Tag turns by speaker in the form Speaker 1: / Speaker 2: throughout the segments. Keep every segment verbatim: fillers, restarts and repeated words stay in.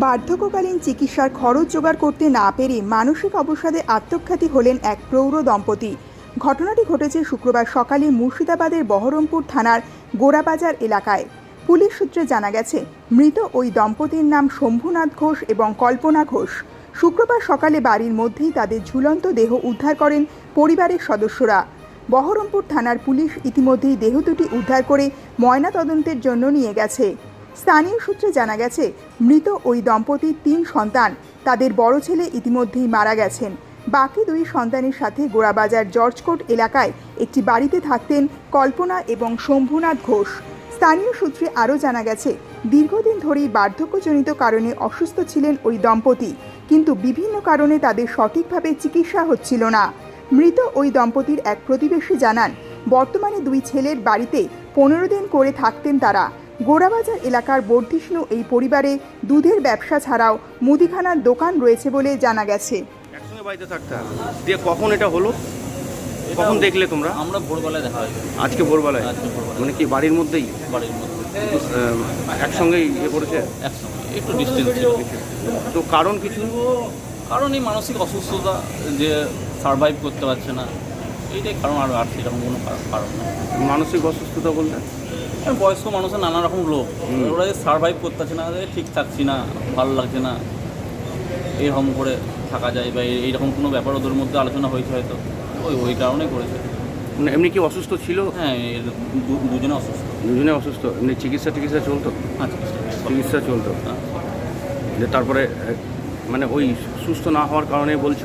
Speaker 1: বার্ধক্যকালীন চিকিৎসার খরচ জোগাড় করতে না পেরে মানসিক অবসাদে আত্মঘাতী হলেন এক প্রৌঢ় দম্পতি। ঘটনাটি ঘটেছে শুক্রবার সকালে মুর্শিদাবাদের বহরমপুর থানার গোড়াবাজার এলাকায়। পুলিশ সূত্রে জানা গেছে, মৃত ওই দম্পতির নাম শম্ভুনাথ ঘোষ এবং কল্পনা ঘোষ। শুক্রবার সকালে বাড়ির মধ্যেই তাদের ঝুলন্ত দেহ উদ্ধার করেন পরিবারের সদস্যরা। বহরমপুর থানার পুলিশ ইতিমধ্যেই দেহ দুটি উদ্ধার করে ময়নাতদন্তের জন্য নিয়ে গেছে। স্থানীয় সূত্রে জানা গেছে, মৃত ওই দম্পতির তিন সন্তান। তাদের বড় ছেলে ইতিমধ্যেই মারা গেছেন। বাকি দুই সন্তানের সাথে গোড়াবাজার জর্জকোট এলাকায় একটি বাড়িতে থাকতেন কল্পনা এবং শম্ভুনাথ ঘোষ। স্থানীয় সূত্রে আরও জানা গেছে, দীর্ঘদিন ধরেই বার্ধক্যজনিত কারণে অসুস্থ ছিলেন ওই দম্পতি, কিন্তু বিভিন্ন কারণে তাদের সঠিকভাবে চিকিৎসা হচ্ছিল না। মৃত ওই দম্পতির এক প্রতিবেশী জানান, বর্তমানে দুই ছেলের বাড়িতে পনেরো দিন করে থাকতেন তারা। গোড়াবাজার এলাকার বর্ধিষ্ণু এই পরিবারে দুধের ব্যবসা ছাড়াও মুদিখানার দোকান রয়েছে বলে জানা গেছে।
Speaker 2: একসঙ্গে বাড়িতে থাকতে দিয়ে কখন এটা হলো, কখন দেখলে তোমরা?
Speaker 3: আমরা ভোরবেলায় দেখা হয়।
Speaker 2: আজকে ভোরবেলায়?
Speaker 3: আজকে ভোরবেলায়।
Speaker 2: মানে কি বাড়ির মধ্যেই
Speaker 3: বাড়ির মধ্যে
Speaker 2: একসঙ্গেই ইয়ে করেছে?
Speaker 3: একসঙ্গে, একটু ডিস্টেন্স ছিল।
Speaker 2: তো কারণ কিছু?
Speaker 3: কারণ এই মানসিক অসুস্থতা, যে সারভাইভ করতে পারছে না, এইটাই কারণ। আর আর সেরকম কোনো কারণ না।
Speaker 2: মানসিক অসুস্থতা বলতে
Speaker 3: বয়স্ক মানুষের নানা রকম লোক, ওরা যে সারভাইভ করতে পারছে না, ঠিক থাকছি না, ভালো লাগছে না, এরকম করে থাকা যায় বা এইরকম কোনো ব্যাপার ওদের মধ্যে আলোচনা হয়েছে হয়তো, ওই ওই কারণে করেছে।
Speaker 2: মানে এমনি কি অসুস্থ ছিল?
Speaker 3: হ্যাঁ, দুজনে অসুস্থ।
Speaker 2: দুজনে অসুস্থ। এমনি চিকিৎসা টিকিৎসা চলতো?
Speaker 3: হ্যাঁ,
Speaker 2: চিকিৎসা চলতো। যে তারপরে মানে ওই সুস্থ না হওয়ার কারণে বলছো?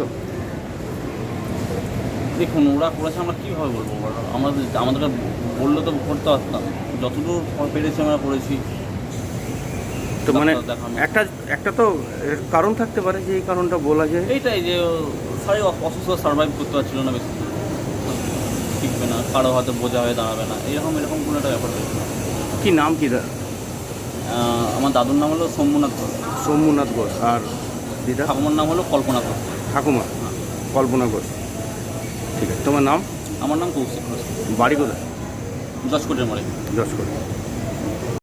Speaker 3: দেখুন, ওরা করেছে, আমরা কীভাবে বলবো? আমাদের আমাদেরকে বললে তো করতে পারতাম, যতদূর পেরেছি আমরা করেছি।
Speaker 2: তো মানে একটা একটা তো কারণ থাকতে পারে, যে এই কারণটা বলা যায়।
Speaker 3: এইটাই যে সারি অসুস্থ, সার্ভাইভ করতে পারছিল না, বেশি শিখবে না, কারো হয়তো বোঝা হয়ে দাঁড়াবে না, এরকম এরকম কোনো একটা ব্যাপার রয়েছে।
Speaker 2: কী নাম কী?
Speaker 3: আমার দাদুর নাম হলো শম্ভুনাথ ঘোষ।
Speaker 2: শম্ভুনাথ ঘোষ। আর দিদা?
Speaker 3: ঠাকুমার নাম হলো কল্পনা ঘোষ।
Speaker 2: ঠাকুমা কল্পনা ঘোষ। ঠিক আছে, তোমার নাম?
Speaker 3: আমার নাম কৌশিক ঘোষ।
Speaker 2: বাড়ি কোথায়?
Speaker 3: জজকোটের মারে।
Speaker 2: জজকোট।